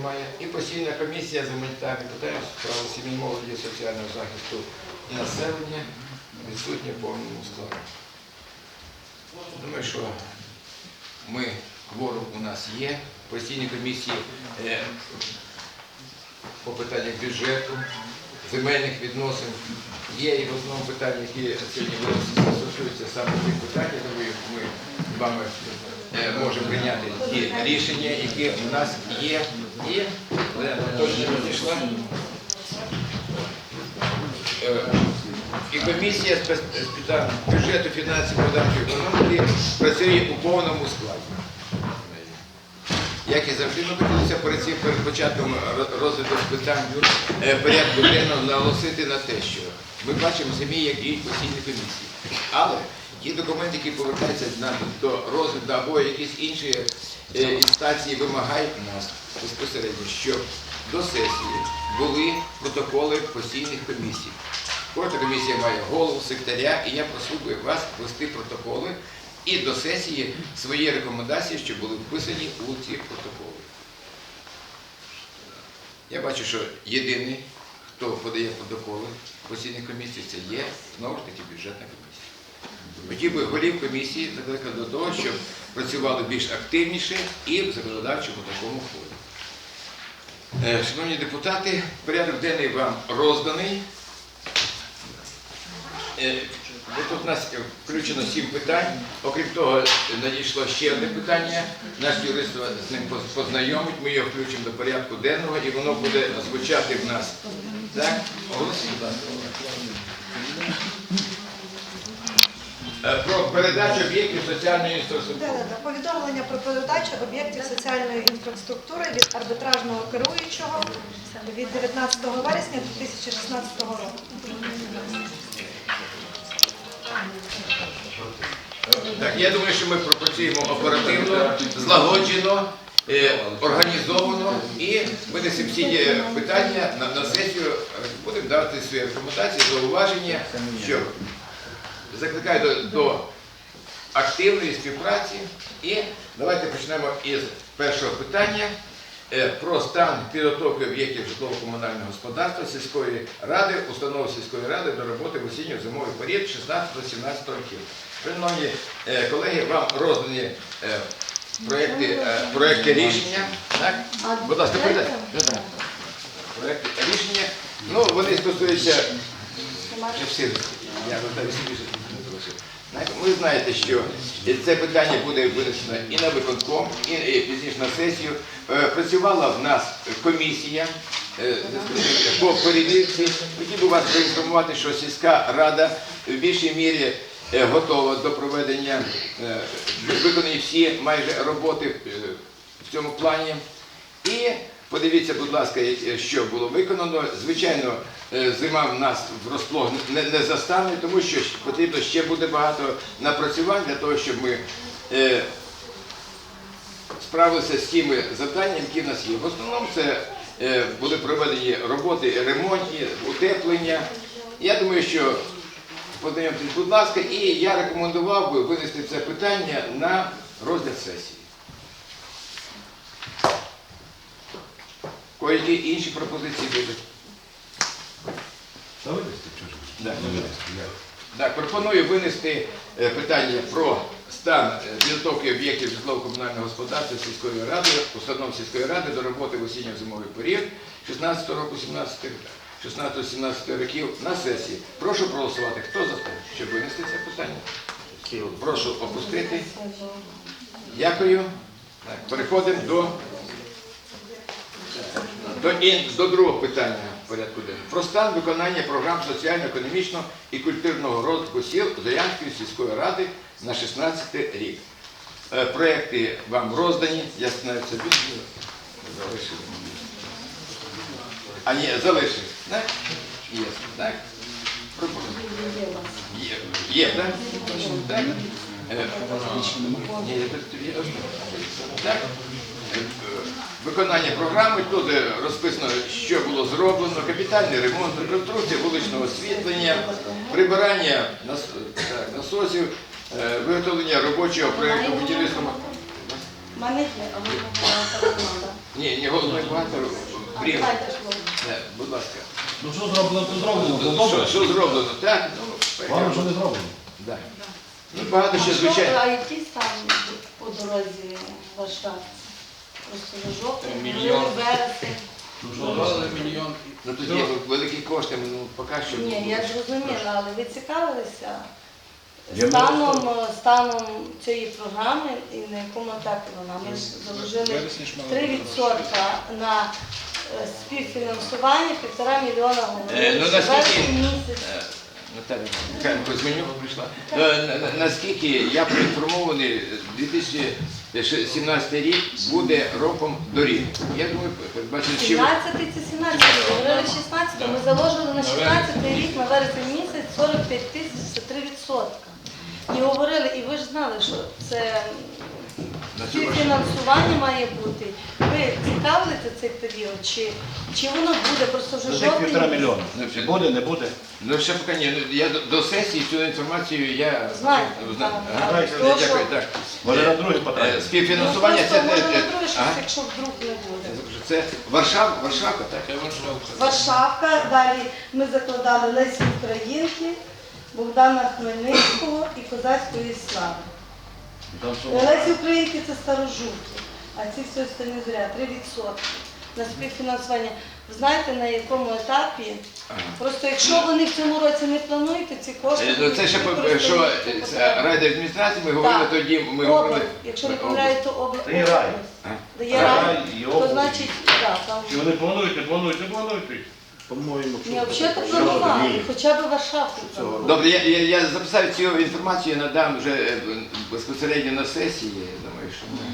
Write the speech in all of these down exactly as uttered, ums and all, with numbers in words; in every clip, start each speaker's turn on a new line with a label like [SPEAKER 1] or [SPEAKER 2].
[SPEAKER 1] немає. І постійна комісія з гуманітарних питань, справи сім'ї, молоді, соціального захисту і населення відсутні в повному складі. Думаю, що ми, кворум у нас є, постійні комісії е, по питаннях бюджету, земельних відносин є, і в основному питання, які сьогодні стосуються саме цих питань, тому ми з вами е, можемо прийняти ті рішення, які у нас є. І Олена точно розійшла. Е, І комісія з питань бюджету, фінансів, податків, економіки працює у повному складі. Як і завжди, ми хотілося перед цим, перед початком розгляду питань порядку денного наголосити на те, що ми бачимо самі, як діють постійні комісії. Але ті документи, які повертаються до розгляду або якісь інші інстанції, вимагають нас безпосередньо, щоб до сесії були протоколи постійних комісій. Кожна комісія має голову, секретаря, і я просив би вас вести протоколи і до сесії свої рекомендації, щоб були вписані у ці протоколи. Я бачу, що єдиний, хто подає протоколи постійних комісій, це є, знову ж таки, бюджетна комісія. Хотів би голів комісії закликати до того, щоб працювали більш активніше і в законодавчому такому ході. Шановні депутати, порядок денний вам розданий. Тут у нас включено сім питань. Окрім того, надійшло ще одне питання. Наш юрист з ним познайомить, ми його включимо до порядку денного і воно буде звучати в нас. Так? Оголосіть, будь ласка. Про передачу об'єктів соціальної інфраструктури.
[SPEAKER 2] Так, так, повідомлення про передачу об'єктів соціальної інфраструктури від арбітражного керуючого від дев'ятнадцятого вересня дві тисячі шістнадцятого року.
[SPEAKER 1] Так, я думаю, що ми пропрацюємо оперативно, злагоджено, е, організовано і винесемо всі питання на, на сесію, будемо давати свої рекомендації, зауваження, що закликаю до, до активної співпраці. І давайте почнемо із першого питання е, про стан підготовки об'єктів житлово-комунального господарства сільської ради, установ сільської ради до роботи в осінньо-зимовий період шістнадцятого-сімнадцятого років. Шановні колеги, вам роздані е, проєкти, е, проєкти рішення. Так? Будь ласка, передайте. Проєкти рішення. Ну, вони стосуються... Я Ви знаєте, що це питання буде винесено і на виконком, і пізніше на сесію. Працювала в нас комісія по перевірці. Хотів би вас проінформувати, що сільська рада в більшій мірі готова до проведення, виконані всі майже роботи в цьому плані. І подивіться, будь ласка, що було виконано. Звичайно, зима в нас врозплох не, не застане, тому що потрібно ще буде багато напрацювань для того, щоб ми е, справилися з тими завданнями, які в нас є. В основному це е, були проведені роботи, ремонтні, утеплення. Я думаю, що познайомтесь, будь ласка, і я рекомендував би винести це питання на розгляд сесії. Які інші пропозиції будуть? Так. Так, пропоную винести пропоную про стан підготовки об'єктів житлово-комунального господарства сільської ради, установ сільської ради до роботи в осінньо-зимовий період шістнадцятого року, шістнадцятого-сімнадцятого років на сесії. Прошу проголосувати. Хто за те, щоб винести це питання? Прошу опустити. Дякую. Так, переходимо до... До, до другого питання порядку денного. Про стан виконання програм соціально-економічного і культурного розвитку сіл Зорянської сільської ради на шістнадцятий рік. Е, проекти вам роздані. Я знаю, це залишив. А ні, залишив. Так? Є. Так? Є. Є, так? Так? Е, ні, так? Виконання програми, тут розписано, що було зроблено, капітальний ремонт, реконструкція вуличного освітлення, прибирання насосів, виготовлення робочого проєкту будівництва. Ні, ні, головне багато брів.
[SPEAKER 2] Давайте ж, Володя.
[SPEAKER 1] Е, Будь ласка.
[SPEAKER 3] Ну що зроблено, то зроблено, то
[SPEAKER 1] Що,
[SPEAKER 3] добре.
[SPEAKER 1] що зроблено? Так, ну,
[SPEAKER 3] Погано, що не зроблено.
[SPEAKER 1] да. Ну, багато ще,
[SPEAKER 4] А що,
[SPEAKER 1] звичайно.
[SPEAKER 4] а який стан по дорозі Варшава? Просто на жовтень,
[SPEAKER 5] Мільйон.
[SPEAKER 4] вересень.
[SPEAKER 5] Додали мільйон.
[SPEAKER 1] Ну, тут є великі кошти, ну, поки що.
[SPEAKER 4] Ні, я зрозуміла, але ви цікавилися
[SPEAKER 3] Я
[SPEAKER 4] станом, станом цієї програми і на якому етапі вона? Ми ж заложили три відсотки на е, співфінансування, півтора мільйона
[SPEAKER 1] Е, ну,
[SPEAKER 4] говорили,
[SPEAKER 1] наскільки-
[SPEAKER 4] вересень місяць.
[SPEAKER 1] Е, Наталя Михайлівна Кузьменюк прийшла. Е, на- на- Наскільки я проінформований, дві тисячі сімнадцятий рік буде роком доріг. Я думаю, передбачено, що...
[SPEAKER 4] сімнадцятий це сімнадцятий, говорили шістнадцятий. Ми заложили на шістнадцятий рік, на вересень місяць сорок п'ять тисяч, це три відсотки. І говорили, і ви ж знали, що це
[SPEAKER 1] На цю
[SPEAKER 4] фінансування має бути. Ви цікавилися цей період, чи, чи воно буде, просто вже
[SPEAKER 3] Це як півтора
[SPEAKER 4] жовтень?
[SPEAKER 3] мільйона.
[SPEAKER 1] Ну,
[SPEAKER 3] Чи буде, не буде?
[SPEAKER 1] Ну, ще поки ні. Ну, я до, до сесії цю інформацію я...
[SPEAKER 4] Знаєте,
[SPEAKER 1] Знаю.
[SPEAKER 4] так,
[SPEAKER 1] Ага.
[SPEAKER 4] так.
[SPEAKER 1] Дякую,
[SPEAKER 4] То, що-
[SPEAKER 1] так.
[SPEAKER 3] Може
[SPEAKER 1] Е,
[SPEAKER 3] на другий
[SPEAKER 1] е,
[SPEAKER 3] потратити?
[SPEAKER 1] Співфінансування
[SPEAKER 4] Ну,
[SPEAKER 1] це...
[SPEAKER 4] просто
[SPEAKER 1] те-
[SPEAKER 4] може
[SPEAKER 1] те-
[SPEAKER 4] на друге щось,
[SPEAKER 1] Ага.
[SPEAKER 4] якщо вдруг не буде.
[SPEAKER 1] Це Варшава, Варшавка, так?
[SPEAKER 5] Це Варшавка.
[SPEAKER 4] Варшавка, далі ми закладали Лесі Українки, Богдана Хмельницького і Козацької слави.
[SPEAKER 3] Там що?
[SPEAKER 4] Лесі Українки це старожуки, а ці всі останні зря три відсотки на співфінансування. Ви знаєте, на якому етапі?
[SPEAKER 1] Ага.
[SPEAKER 4] Просто якщо вони в цьому році не планують, то ці кошти...
[SPEAKER 1] Е, ну, Це ще, по-
[SPEAKER 4] використані
[SPEAKER 1] що
[SPEAKER 4] по
[SPEAKER 1] е,
[SPEAKER 4] потребам.
[SPEAKER 1] райдержадміністрації, ми говорили
[SPEAKER 4] Так.
[SPEAKER 1] тоді, ми
[SPEAKER 4] Область,
[SPEAKER 1] говорили...
[SPEAKER 4] якщо не
[SPEAKER 1] Область.
[SPEAKER 4] помиляю, то область.
[SPEAKER 3] Це і рай.
[SPEAKER 4] Дає
[SPEAKER 3] Рай
[SPEAKER 4] рай,
[SPEAKER 3] і
[SPEAKER 4] то
[SPEAKER 3] область.
[SPEAKER 4] значить, так, там...
[SPEAKER 3] Чи вони планують, не планують, не планують? По-моєму,
[SPEAKER 4] Ні, взагалі планували, хоча б Варшавку планували.
[SPEAKER 1] Добре, я, я, я записав цю інформацію, надам вже е, безпосередньо на сесії, я думаю, що ми...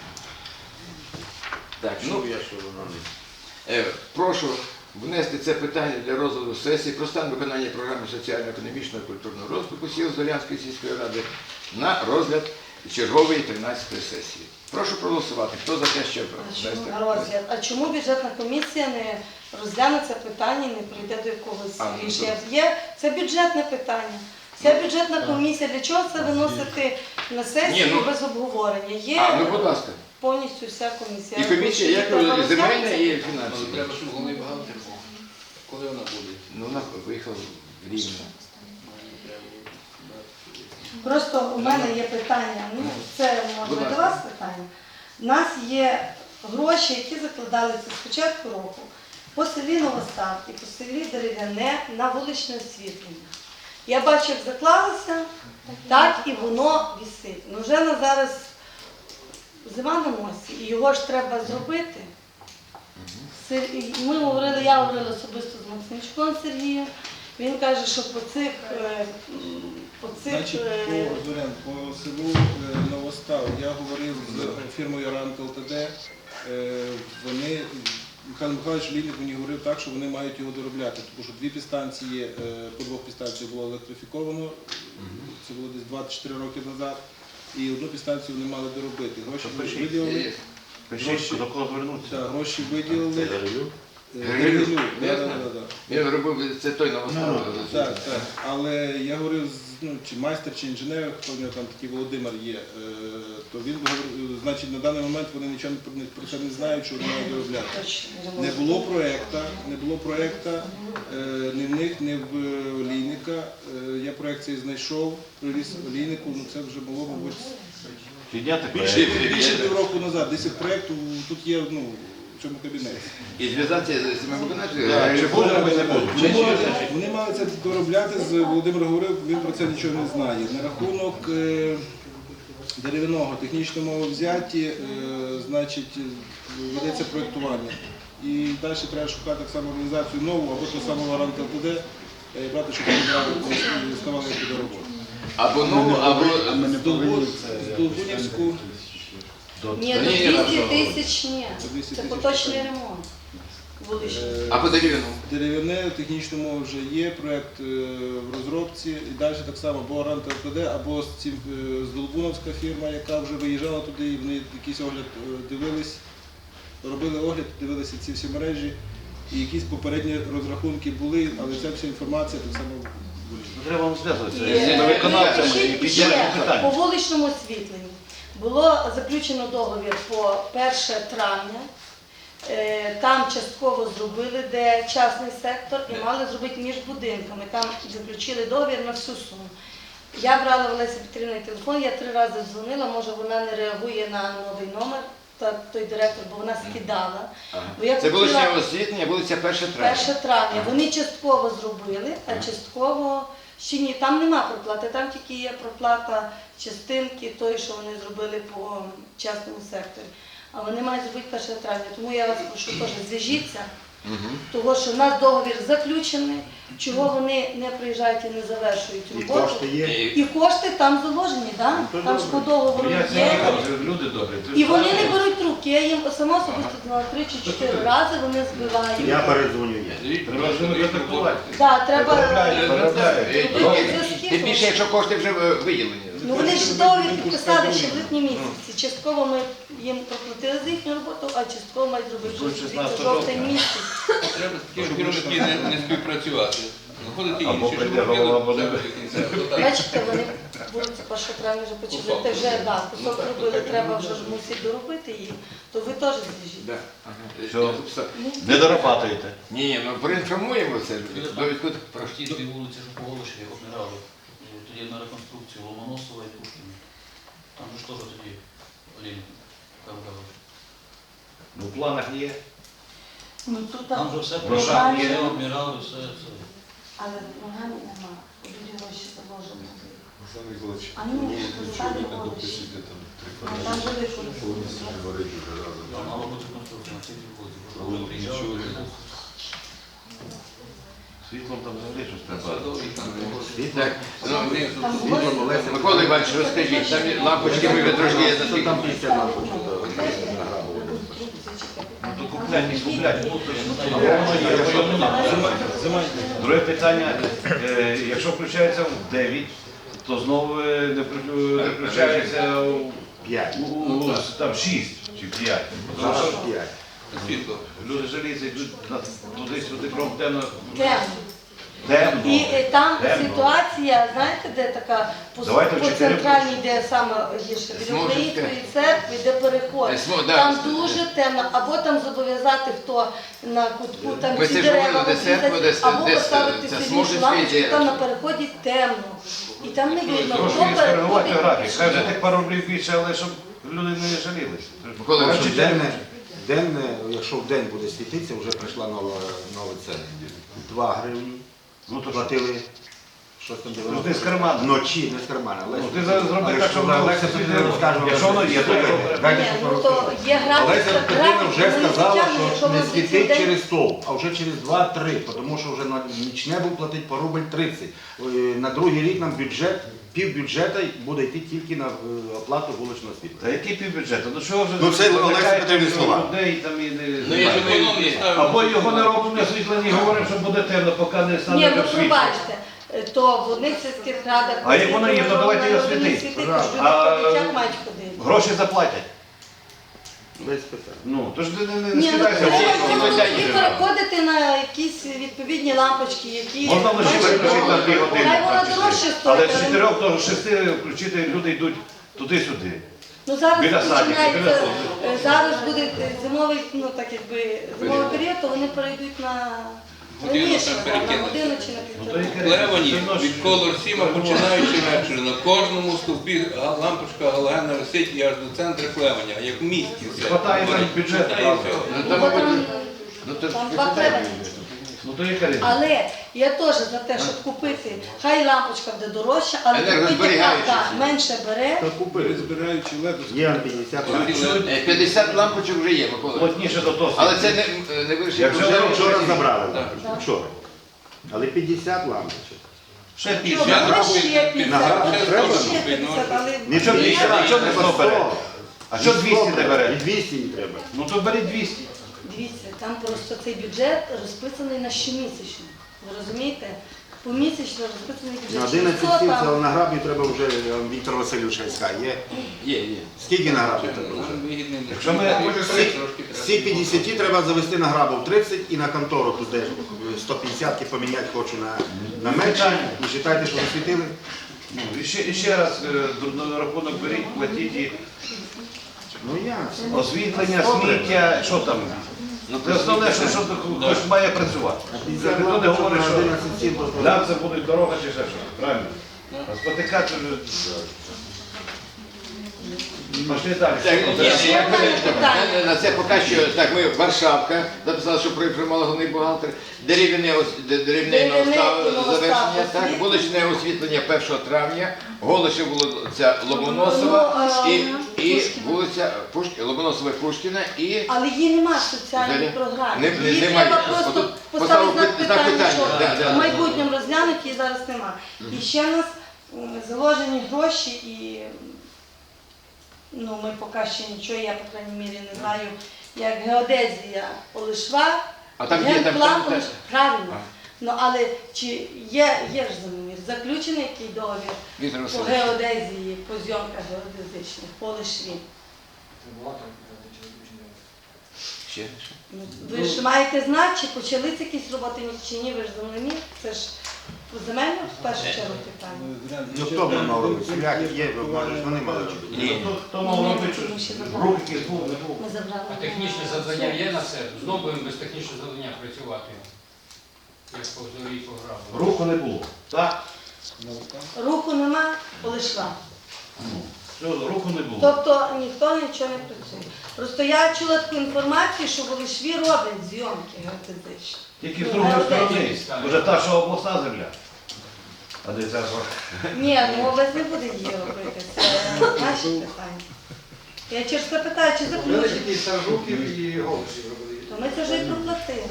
[SPEAKER 1] Так, ну,
[SPEAKER 5] я що воно не.
[SPEAKER 1] е, прошу внести це питання для розгляду сесії про стан виконання програми соціально-економічного і культурного розвитку сіл Зорянської сільської ради на розгляд чергової тринадцятої сесії. Прошу проголосувати. Хто за те, щоб внести?
[SPEAKER 4] Чому розгляд? А чому бюджетна комісія не розгляне це питання і не прийде до якогось
[SPEAKER 1] А, ну,
[SPEAKER 4] рішення? Є, це бюджетне питання. Ця бюджетна комісія, для чого це виносити на сесію
[SPEAKER 1] Ні, ну-
[SPEAKER 4] без обговорення? Є
[SPEAKER 1] А, ну будь ласка.
[SPEAKER 4] повністю вся комісія.
[SPEAKER 1] І комісія, як
[SPEAKER 4] Треба
[SPEAKER 1] земельна
[SPEAKER 4] розглянути.
[SPEAKER 1] і
[SPEAKER 5] Але
[SPEAKER 1] фінансова.
[SPEAKER 5] треба, щоб головний бухгалтер був. Коли вона буде?
[SPEAKER 1] Ну, вона виїхала в Рівне.
[SPEAKER 4] Просто у мене є питання, ну це
[SPEAKER 1] Будь
[SPEAKER 4] можна
[SPEAKER 1] ласка.
[SPEAKER 4] до вас питання. У нас є гроші, які закладалися з початку року по селі Новостав і по селі Дерев'яне на вуличне освітлення. Я бачу, як заклалося, так і воно вісить. Ну вже на зараз зима на носі, і його ж треба зробити. Сер- і Ми говорили, я говорила особисто з Максимчуком Сергієм. Він каже, що по цих, е, м, по цих
[SPEAKER 6] Значить,
[SPEAKER 4] е,
[SPEAKER 6] по, Зорян, по селу е, Новостав я говорив з фірмою Ранк ЛТД. Е, Вони, Михайло Михайлович Лінник мені говорив так, що вони мають його доробляти, тому що дві підстанції, е, по двох підстанціях було електрифіковано, це було десь двадцять чотири роки назад, і одну підстанцію вони мали доробити. Гроші
[SPEAKER 3] Пишіть.
[SPEAKER 6] виділили,
[SPEAKER 3] Пишіть, до кого звернутися.
[SPEAKER 6] так, гроші виділили. Е,
[SPEAKER 1] Грилю?
[SPEAKER 6] Грилю, да,
[SPEAKER 1] Я
[SPEAKER 6] да,
[SPEAKER 1] знаю.
[SPEAKER 6] да, да.
[SPEAKER 1] Він робив, це той новостав.
[SPEAKER 6] Так, так. Але я говорив з ну, чи майстер, чи інженер, хто в нього там такий Володимир є, е, то він говорив, значить на даний момент вони нічого про не- про це не знають, що вони мають доробляти.
[SPEAKER 4] точно
[SPEAKER 6] Не було проєкта, не було проєкта е, ні в них, ні в е, Лійника. Е, Я проєкт цей знайшов, привіз Лійнику, ну це вже було, мабуть,
[SPEAKER 3] Підняти
[SPEAKER 6] більше,
[SPEAKER 3] проект.
[SPEAKER 6] більше півроку назад. Десять проєктів тут є ну, в цьому кабінеті.
[SPEAKER 1] І зв'язатися з цими
[SPEAKER 3] Так,
[SPEAKER 1] виконавцями.
[SPEAKER 3] Чи буде, або не буде.
[SPEAKER 6] Вони мали, вони мали це доробляти, з Володимир говорив, він про це нічого не знає. На рахунок е, дерев'яного технічного мововзятті, е, значить, ведеться проєктування. І далі треба шукати так само організацію нову, або ту саму Ранк ЛТД, е, брати, щоб вони ставали до роботи.
[SPEAKER 1] Або нову, або...
[SPEAKER 6] Здолбунівську,
[SPEAKER 4] Ні,
[SPEAKER 1] Ні,
[SPEAKER 4] до
[SPEAKER 1] ні,
[SPEAKER 4] двісті
[SPEAKER 1] ні,
[SPEAKER 4] тисяч ні.
[SPEAKER 6] До двісті
[SPEAKER 4] Це
[SPEAKER 6] тисяч
[SPEAKER 4] поточний
[SPEAKER 6] питань.
[SPEAKER 4] ремонт вуличний.
[SPEAKER 6] е,
[SPEAKER 1] Або дерев'яну.
[SPEAKER 6] дерев'яне, технічна мова вже є, проєкт е, в розробці. І далі так само або Ранк ЛТД, або з цим, е, з Долбуновська фірма, яка вже виїжджала туди, і вони якийсь огляд е, дивились, робили огляд, дивилися ці всі мережі. І якісь попередні розрахунки були, але ця вся інформація так само вирішена.
[SPEAKER 3] Треба вам зв'язуватися
[SPEAKER 4] І,
[SPEAKER 3] з виконавцями і
[SPEAKER 4] ще- ще
[SPEAKER 3] підняти
[SPEAKER 4] по
[SPEAKER 3] питання.
[SPEAKER 4] вуличному освітленню було заключено договір по перше травня Там частково зробили, де частний сектор, і мали зробити між будинками. Там заключили договір на всю суму. Я брала в Олесі Петрівни телефон, я три рази дзвонила, може вона не реагує на новий номер, та той директор, бо вона скидала. Бо я
[SPEAKER 1] Це
[SPEAKER 4] хотіла-
[SPEAKER 1] вулиця освітлення, вулиця перше травня.
[SPEAKER 4] перше травня. Вони частково зробили, а частково ще ні. Там нема проплати, там тільки є проплата частинки тої, що вони зробили по частному секторі. А вони мають зробити перше травня. Тому я вас прошу теж зв'яжіться, того що в нас договір заключений, чого вони не приїжджають і не завершують
[SPEAKER 7] І
[SPEAKER 4] роботу.
[SPEAKER 7] кошти є.
[SPEAKER 4] І кошти там заложені, да? там ж по договору
[SPEAKER 3] Я
[SPEAKER 4] є.
[SPEAKER 3] це люди добрі.
[SPEAKER 4] І вони не беруть трубки. Я їм сама особисто дала три чи чотири рази, вони збивають.
[SPEAKER 7] Я передзвоню.
[SPEAKER 3] Треба ж не контактувати.
[SPEAKER 4] Да, треба.
[SPEAKER 1] Е, і- Тим більше, якщо кошти вже е, виділені.
[SPEAKER 4] Ну вони ж договір підписали ще в липні місяці. Частково ми їм проплатили за їхню роботу, а частково мають зробити
[SPEAKER 3] До
[SPEAKER 4] звідси
[SPEAKER 3] шістнадцятого
[SPEAKER 4] жовтень
[SPEAKER 3] жовтня.
[SPEAKER 4] місяць.
[SPEAKER 5] Треба з такими керівники не, не співпрацювати. Знаходити
[SPEAKER 3] Або
[SPEAKER 5] інші, щоб
[SPEAKER 3] прийде голова,
[SPEAKER 5] робили
[SPEAKER 3] або не
[SPEAKER 5] все до кінця. Отак.
[SPEAKER 4] Бачите, вони будуть першого травня вже почали. Те вже да, кусок робили, треба вже ж мусить доробити їх, то ви теж зв'яжіть.
[SPEAKER 1] Да. Ага.
[SPEAKER 3] Все.
[SPEAKER 1] Я написав.
[SPEAKER 3] Не дорабатуєте.
[SPEAKER 1] Ні, ні, ну проінформуємо це. Довідку про
[SPEAKER 8] Ті дві вулиці, що по Голошеві обмирали, тоді на реконструкцію Ломоносова і Пушкіна. Там же ж теж тоді Олійник Кавгавич.
[SPEAKER 3] Ну, в планах є.
[SPEAKER 4] Ну тут
[SPEAKER 8] Там же все
[SPEAKER 3] Грошах
[SPEAKER 8] програмі,
[SPEAKER 3] є.
[SPEAKER 8] все обмирали, все це.
[SPEAKER 4] але в програмі нема. Будуть гроші заложені. А ну, стали гроші. А там були гроші.
[SPEAKER 8] Там мало бути конструкція на ці дві вулиці. Коли приїжджали,
[SPEAKER 3] Світлом там взагалі щось треба.
[SPEAKER 5] Садовий там
[SPEAKER 1] Так, ну,
[SPEAKER 4] Там
[SPEAKER 7] Світло,
[SPEAKER 4] було-
[SPEAKER 7] Олеся.
[SPEAKER 1] Микола Іванович, розкажіть, там є лампочки ми трошки є
[SPEAKER 7] Що там після лампочки?
[SPEAKER 3] Ну, то куплять, не куплять. Або воно є, або його нема. Друге питання, е, якщо включається в дев'ять, то знову е, не вклю- не включається у,
[SPEAKER 7] П'ять.
[SPEAKER 3] у, у там шість чи п'ять. Тому
[SPEAKER 7] Зараз
[SPEAKER 3] що
[SPEAKER 7] п'ять.
[SPEAKER 5] світло.
[SPEAKER 3] люди жаліються, йдуть на- туди-сюди, крім темно.
[SPEAKER 4] Темно.
[SPEAKER 3] Темно.
[SPEAKER 4] І е, там
[SPEAKER 3] Темно.
[SPEAKER 4] ситуація, знаєте, де така по,
[SPEAKER 3] Давайте в
[SPEAKER 4] по
[SPEAKER 3] чотири
[SPEAKER 4] центральній, де саме гірше, біля
[SPEAKER 1] Смужицька.
[SPEAKER 4] Української церкви, де переход.
[SPEAKER 1] Е, Смо- да.
[SPEAKER 4] Там дуже темно, або там зобов'язати, хто на кутку, там
[SPEAKER 1] Ви
[SPEAKER 4] ці
[SPEAKER 1] це ж
[SPEAKER 4] дерева
[SPEAKER 1] говорили, де церква,
[SPEAKER 4] обрізати,
[SPEAKER 1] де-
[SPEAKER 4] або
[SPEAKER 1] де
[SPEAKER 4] поставити
[SPEAKER 1] ця
[SPEAKER 4] сильнішу
[SPEAKER 1] Смужицька
[SPEAKER 4] лампочку,
[SPEAKER 1] є.
[SPEAKER 4] там на переході темно. І там не видно,
[SPEAKER 3] Трошки
[SPEAKER 4] хто
[SPEAKER 3] не скоригувати
[SPEAKER 4] переходить.
[SPEAKER 3] графік. Хай вже тих пару рублів більше, але щоб люди не жалілися.
[SPEAKER 1] Микола Іванович,
[SPEAKER 7] Коротше, денне, денне, якщо в день буде світитися, вже прийшла нова, нова ціна. Два гривні.
[SPEAKER 3] Ну то що?
[SPEAKER 7] Платили щось там
[SPEAKER 3] Ну, ти з карману.
[SPEAKER 7] Вночі, не з кармана.
[SPEAKER 3] Ну, ти зараз зроби
[SPEAKER 7] Але
[SPEAKER 3] так,
[SPEAKER 7] що
[SPEAKER 3] щоб воно
[SPEAKER 7] Олеся
[SPEAKER 3] все
[SPEAKER 7] Петрівна розкаже вам.
[SPEAKER 3] Якщо воно є, то
[SPEAKER 7] Слухайте,
[SPEAKER 3] добре.
[SPEAKER 7] дайте,
[SPEAKER 4] Ні,
[SPEAKER 7] щоб
[SPEAKER 4] ну
[SPEAKER 7] ви
[SPEAKER 4] то
[SPEAKER 7] розказали.
[SPEAKER 4] є графік,
[SPEAKER 7] Олеся Петрівна
[SPEAKER 4] графік,
[SPEAKER 7] вже
[SPEAKER 4] вони
[SPEAKER 7] сказала,
[SPEAKER 4] звичайно, якщо
[SPEAKER 7] що не
[SPEAKER 4] ви в
[SPEAKER 7] світить
[SPEAKER 4] день-
[SPEAKER 7] через стовп, а вже через два-три, тому що вже на нічне був платити по рубль тридцять. Е, На другий рік нам бюджет, пів бюджету буде йти тільки на е, оплату вуличного світла.
[SPEAKER 3] Та який півбюджету? Ну що вже...
[SPEAKER 7] Ну, це Олеся
[SPEAKER 3] викликаєте
[SPEAKER 7] Петрівні слова.
[SPEAKER 3] людей там і не-
[SPEAKER 5] Ну, я думаю, економні ставимо.
[SPEAKER 3] Або його не робимо освітлення, говоримо, що буде темно, поки не
[SPEAKER 4] Ні,
[SPEAKER 3] стане
[SPEAKER 4] ну
[SPEAKER 3] світло.
[SPEAKER 4] пробачте, е, то в одних сільських радах...
[SPEAKER 3] А як воно є, то давайте його
[SPEAKER 4] вони
[SPEAKER 3] світить.
[SPEAKER 4] світить,
[SPEAKER 7] Правда.
[SPEAKER 4] тож люди
[SPEAKER 3] А,
[SPEAKER 4] ходять, як мають ходити.
[SPEAKER 3] Гроші заплатять.
[SPEAKER 7] Без питань.
[SPEAKER 3] Ну, то ж ти не, не, не
[SPEAKER 4] Ні, ну
[SPEAKER 3] скидайся.
[SPEAKER 4] треба
[SPEAKER 1] ці
[SPEAKER 4] було
[SPEAKER 1] питання
[SPEAKER 4] тоді
[SPEAKER 1] треба.
[SPEAKER 4] переходити на якісь відповідні лампочки, які...
[SPEAKER 3] Можна лише
[SPEAKER 4] Знаєш,
[SPEAKER 3] виключити на дві години.
[SPEAKER 4] Хай вона
[SPEAKER 3] практично.
[SPEAKER 4] дорожче
[SPEAKER 3] Але
[SPEAKER 4] стоїть.
[SPEAKER 3] з
[SPEAKER 4] але-
[SPEAKER 3] чотирьох до шести включити люди йдуть туди-сюди.
[SPEAKER 4] Ну зараз
[SPEAKER 3] Біля садика, біля
[SPEAKER 4] починається,
[SPEAKER 3] садика.
[SPEAKER 4] е, зараз буде е, зимовий, ну так якби, зимовий період, то вони перейдуть на
[SPEAKER 5] Годину
[SPEAKER 4] раніше,
[SPEAKER 5] там
[SPEAKER 4] да, на
[SPEAKER 5] перекинуть.
[SPEAKER 4] годину чи на
[SPEAKER 3] Ну, то
[SPEAKER 4] півтора.
[SPEAKER 3] і
[SPEAKER 5] Левані від колор сіма, починаючи вечір, на кожному стовпі га- лампочка галогенна висить і аж до центру Клеваня, як в місті все.
[SPEAKER 3] Хватає нам бюджету,
[SPEAKER 5] Хватає
[SPEAKER 3] правда.
[SPEAKER 5] всього.
[SPEAKER 1] ну
[SPEAKER 4] Ну,
[SPEAKER 1] там,
[SPEAKER 4] бо
[SPEAKER 1] мабуть,
[SPEAKER 4] там,
[SPEAKER 1] ну то
[SPEAKER 4] там
[SPEAKER 1] ж
[SPEAKER 4] два
[SPEAKER 1] питання.
[SPEAKER 4] клевені.
[SPEAKER 3] Ну то яка різниця?
[SPEAKER 4] Але я теж за те, щоб купити, хай лампочка буде дорожча, але купити яка
[SPEAKER 1] Енергозберігаюча.
[SPEAKER 4] так, менше бере.
[SPEAKER 7] Та купили.
[SPEAKER 6] Збираючи леду.
[SPEAKER 7] Є на п'ятдесят лампочок.
[SPEAKER 1] Е, п'ятдесят лампочок вже є, Микола Іванович.
[SPEAKER 3] Плотніше до того.
[SPEAKER 1] Але це не, не вирішить
[SPEAKER 3] Якщо
[SPEAKER 7] Вже
[SPEAKER 1] проблему.
[SPEAKER 7] вчора забрали.
[SPEAKER 5] Так.
[SPEAKER 7] Вчора. Але п'ятдесят лампочок.
[SPEAKER 3] Ще
[SPEAKER 4] Що,
[SPEAKER 3] більше.
[SPEAKER 5] Я
[SPEAKER 4] буде
[SPEAKER 5] рахую,
[SPEAKER 4] ще
[SPEAKER 5] під-
[SPEAKER 4] п'ятдесят,
[SPEAKER 7] нагадую,
[SPEAKER 4] буде
[SPEAKER 7] треба
[SPEAKER 4] ще
[SPEAKER 5] купити, ну,
[SPEAKER 4] п'ятдесят, але...
[SPEAKER 7] Нічого
[SPEAKER 3] двісті,
[SPEAKER 7] більше,
[SPEAKER 3] а чого не сто бере? А що двісті не бере?
[SPEAKER 7] І двісті не треба.
[SPEAKER 3] Ну то бери двісті.
[SPEAKER 4] Дивіться, там просто цей бюджет розписаний на щомісячно. Ви розумієте? Помісячно розписаний
[SPEAKER 7] На
[SPEAKER 4] бюджет.
[SPEAKER 7] одинадцять
[SPEAKER 4] Що
[SPEAKER 7] сіл
[SPEAKER 4] там?
[SPEAKER 7] це на граблі треба вже е, Віктор Васильович скаже. Є.
[SPEAKER 1] Є, є.
[SPEAKER 7] Скільки на граблі треба вже?
[SPEAKER 5] Нам вигідний не
[SPEAKER 3] Якщо ми-
[SPEAKER 5] трошки
[SPEAKER 7] З
[SPEAKER 5] треба.
[SPEAKER 7] цих п'ятдесят треба завести на грабу в тридцять і на контору тут де сто п'ятдесят поміняти хочу на, на менше. І вважайте, що засвітили.
[SPEAKER 3] Ну, і ще, і ще раз е, до- на рахунок беріть, платіть і
[SPEAKER 7] Ну я.
[SPEAKER 3] освітлення, сміття, що там?
[SPEAKER 1] Ну,
[SPEAKER 3] Це основне, що, що хтось має працювати. Це ніхто не говорить, що нам це буде дорога чи ще що. Правильно? А спотикати вже... Пошли далі.
[SPEAKER 1] Так,
[SPEAKER 3] Що
[SPEAKER 1] ні,
[SPEAKER 3] це?
[SPEAKER 1] ні, я
[SPEAKER 4] Питання,
[SPEAKER 1] перепрошую.
[SPEAKER 4] питання.
[SPEAKER 1] На- на це поки що, так, ми Варшавка, записали, що проінформував головний бухгалтер, дерев'яне ос- де- дерев'яне
[SPEAKER 4] Дерев'яне
[SPEAKER 1] новостав-
[SPEAKER 4] і новостав
[SPEAKER 1] завершення, так,
[SPEAKER 4] освітлення.
[SPEAKER 1] вуличне освітлення першого травня, Голище вулиця Ломоносова
[SPEAKER 4] Ну,
[SPEAKER 1] і,
[SPEAKER 4] е,
[SPEAKER 1] і
[SPEAKER 4] Пушкіна.
[SPEAKER 1] вулиця Пуш- Ломоносова і Пушкіна і
[SPEAKER 4] Але її нема в соціальній
[SPEAKER 1] Взагалі?
[SPEAKER 4] програмі.
[SPEAKER 1] Не- не-
[SPEAKER 4] Її
[SPEAKER 1] немає.
[SPEAKER 4] треба просто
[SPEAKER 1] Отут
[SPEAKER 4] поставити
[SPEAKER 1] поставив
[SPEAKER 4] знак
[SPEAKER 1] пи- знак
[SPEAKER 4] питання,
[SPEAKER 1] питання.
[SPEAKER 4] що
[SPEAKER 1] Да, да,
[SPEAKER 4] в
[SPEAKER 1] да.
[SPEAKER 4] майбутньому розглянуть, її зараз нема. І ще в нас м, заложені гроші і ну, ми поки ще нічого, я, по крайній мірі, не знаю, як геодезія Олешва,
[SPEAKER 1] А там є, там-
[SPEAKER 4] генплан
[SPEAKER 1] там-
[SPEAKER 4] Олеш- правильно. Ну, але чи є, є ж замір, заключений який договір
[SPEAKER 1] Віктор
[SPEAKER 4] по
[SPEAKER 1] Васильович.
[SPEAKER 4] геодезії, по зйомках геодезичних, по Олешві?
[SPEAKER 1] Ще, ще.
[SPEAKER 4] Ну, ви ж маєте знати, чи почалися якісь роботи, чи ні, ви ж землемір, це ж земельне в першу чергу питання.
[SPEAKER 7] Ну хто б мав робити? Соляк є, може, вони мали чи ні?
[SPEAKER 1] Ні.
[SPEAKER 3] Хто мав робити щось? Рух якийсь був, не був.
[SPEAKER 4] Ми забрали.
[SPEAKER 9] А технічне завдання є на це? Знову будемо без технічного завдання працювати. Як по зорі програми.
[SPEAKER 3] Руху не було. Так?
[SPEAKER 4] Руху нема, Олешва.
[SPEAKER 3] Все, руху не було.
[SPEAKER 4] Тобто ніхто нічого не працює. Просто я чула таку інформацію, що в Олешві роблять зйомки геодезичні.
[SPEAKER 3] Тільки з другої сторони. Вже та, що обласна земля. А де ця згорка?
[SPEAKER 4] Ні, ну область не буде її робити, це наші питання. Я через це питаю, чи заключить,
[SPEAKER 6] Старжуків і Голишів робили.
[SPEAKER 4] то ми це вже і проплатили.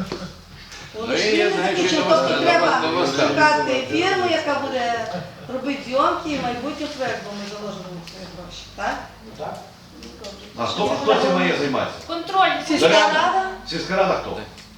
[SPEAKER 4] У
[SPEAKER 1] Ну,
[SPEAKER 4] Олешві
[SPEAKER 1] я
[SPEAKER 4] не
[SPEAKER 1] знаю, що
[SPEAKER 4] заключено,
[SPEAKER 1] новоста-
[SPEAKER 4] тобто треба
[SPEAKER 1] новоста- новоста.
[SPEAKER 4] шукати фірму, яка буде робити зйомки і майбутній проєкт, бо ми заложимо на свої гроші, так?
[SPEAKER 3] А хто, хто цим має займатися?
[SPEAKER 10] Контроль.
[SPEAKER 4] Сільська рада?
[SPEAKER 3] Сільська рада хто?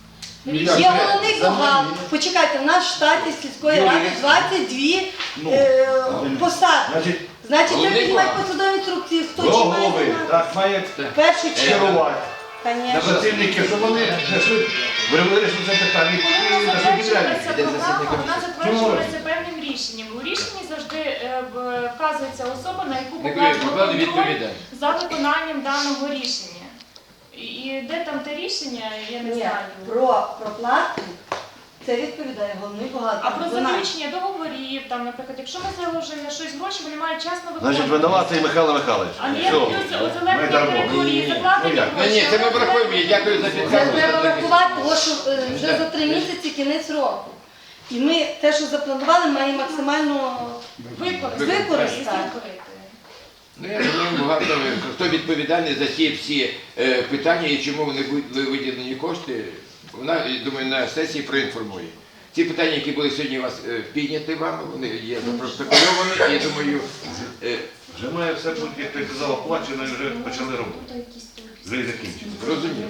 [SPEAKER 4] Є головний бухгалтер. Почекайте, в нас в штаті сільської ради двадцять дві
[SPEAKER 3] Ну,
[SPEAKER 4] е, посади.
[SPEAKER 3] Значить,
[SPEAKER 4] Значить, треба
[SPEAKER 1] головний
[SPEAKER 4] піднімати
[SPEAKER 1] бухгалтер.
[SPEAKER 4] посадові інструкції, хто
[SPEAKER 3] до
[SPEAKER 4] чим має
[SPEAKER 3] голови,
[SPEAKER 4] займатися.
[SPEAKER 3] так, має
[SPEAKER 4] В першу чергу,
[SPEAKER 3] керувати. На
[SPEAKER 4] звісно.
[SPEAKER 3] працівники, щоб вони знайшли, вирішили це питання
[SPEAKER 10] Коли
[SPEAKER 3] і
[SPEAKER 10] вона
[SPEAKER 3] знайшли підрядник.
[SPEAKER 10] затверджується програма, вона затверджується певним рішенням. У рішенні завжди е, в- вказується особа, на яку
[SPEAKER 1] Не
[SPEAKER 10] покладено
[SPEAKER 1] покладено
[SPEAKER 10] контроль
[SPEAKER 1] відповідальність.
[SPEAKER 10] за виконанням даного рішення. І, і де там те рішення, я не
[SPEAKER 4] Ні,
[SPEAKER 10] знаю.
[SPEAKER 4] про проплату це відповідає головний бухгалтер.
[SPEAKER 10] А про
[SPEAKER 4] До нас.
[SPEAKER 10] заключення договорів, там, наприклад, якщо ми заложимо на щось гроші, вони мають часно
[SPEAKER 3] Значить,
[SPEAKER 10] виконувати.
[SPEAKER 3] винуватий Михайло Михайлович.
[SPEAKER 10] А не
[SPEAKER 3] Все.
[SPEAKER 10] плюс
[SPEAKER 3] Ми
[SPEAKER 10] озеленення
[SPEAKER 3] дармо.
[SPEAKER 10] території,
[SPEAKER 3] Ну,
[SPEAKER 10] закладені
[SPEAKER 3] як?
[SPEAKER 1] Ну, ні, це ми врахуємо. Я дякую за
[SPEAKER 4] Це
[SPEAKER 1] підказку.
[SPEAKER 4] треба врахувати, тому що е, вже за три місяці кінець року. І ми те, що запланували, маємо максимально
[SPEAKER 10] Використати.
[SPEAKER 4] використати.
[SPEAKER 1] Ну, я думаю, багато хто відповідальний за ті всі е, питання і чому вони були виділені кошти, вона, я думаю, на сесії проінформує. Ці питання, які були сьогодні у вас е, підняті вами, вони є запротокольовані, і я думаю, е,
[SPEAKER 3] Вже має все бути, як ти казав, оплачено і вже почали робити. Вже і закінчили.
[SPEAKER 1] зрозуміло.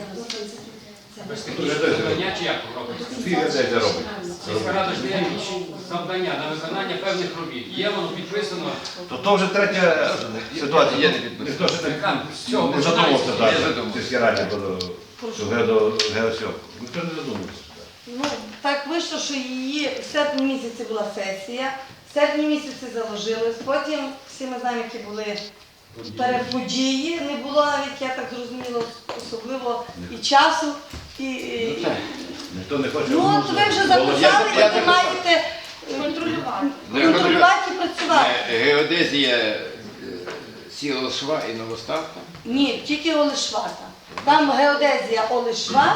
[SPEAKER 9] Без технічного завдання чи як робиться?
[SPEAKER 3] Скільки де це робить?
[SPEAKER 9] Сільська рада ж дає завдання на виконання певних робіт. Є воно підписано.
[SPEAKER 3] То то вже третя ситуація.
[SPEAKER 1] Я не підписав.
[SPEAKER 3] Ніхто ще
[SPEAKER 9] Яка? З цього
[SPEAKER 3] не
[SPEAKER 9] починається.
[SPEAKER 3] задумався
[SPEAKER 1] Не
[SPEAKER 3] так.
[SPEAKER 1] задумався.
[SPEAKER 3] в сільській раді до геосьомку. Ніхто не задумався.
[SPEAKER 4] Ну, так вийшло, що її в серпні місяці була сесія, в серпні місяці заложилось, потім всі ми знаємо, які були переподії, не було навіть, я так зрозуміла, особливо і часу, і... і-
[SPEAKER 1] Ну, так.
[SPEAKER 3] Ніхто не хоче.
[SPEAKER 4] Ну, от ви вже записали,
[SPEAKER 1] Я- я
[SPEAKER 4] і ви
[SPEAKER 1] записав.
[SPEAKER 4] маєте е,
[SPEAKER 10] Контролювати.
[SPEAKER 4] контролювати і працювати.
[SPEAKER 1] Е, Геодезія е, сіла Шва і Новоставка.
[SPEAKER 4] Ні, тільки Олешва там. Там геодезія Олешва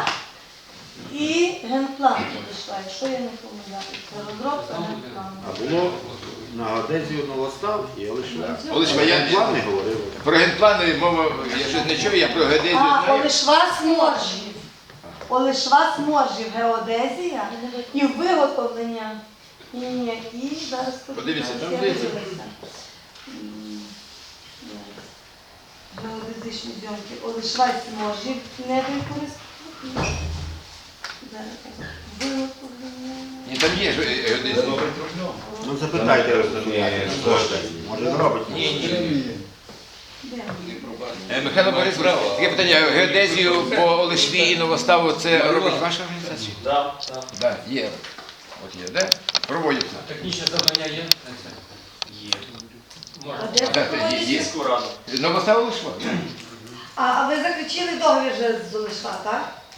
[SPEAKER 4] і генплан Олешва, якщо я не помиляюся. Це розробка генплану.
[SPEAKER 7] А було на Одезію Новостав і Олешва.
[SPEAKER 1] Олешва, я-
[SPEAKER 7] Плани говорили.
[SPEAKER 1] Про генплани мова, я щось не чую, я про геодезію
[SPEAKER 4] А,
[SPEAKER 1] знаю.
[SPEAKER 4] Олешва Сморжів. Олешва Сморжів геодезія і виготовлення. Ні, ні, і зараз
[SPEAKER 1] Подивіться, там
[SPEAKER 4] я
[SPEAKER 1] дивіться.
[SPEAKER 4] дивлюся. М, геодезичні зйомки. Олешва Сморжів не використовують. Зараз так. Виготовлення.
[SPEAKER 1] Ні, там є ж геодезія.
[SPEAKER 7] Ну запитайте, кошти. Може зробить.
[SPEAKER 1] Ні, ні.
[SPEAKER 4] Де?
[SPEAKER 1] Е, Михайло Борисович, таке питання, геодезію по Олешві і Новоставу це робить ваша організація?
[SPEAKER 8] Так, так.
[SPEAKER 1] Так, є. От є, де? Проводяться.
[SPEAKER 9] Технічне завдання є на це? Є.
[SPEAKER 4] А
[SPEAKER 9] Можна.
[SPEAKER 4] де
[SPEAKER 1] Так, є, є.
[SPEAKER 8] Сільську раду.
[SPEAKER 1] Новостава Олешва.
[SPEAKER 4] А, а ви заключили договір вже з Олешва, так?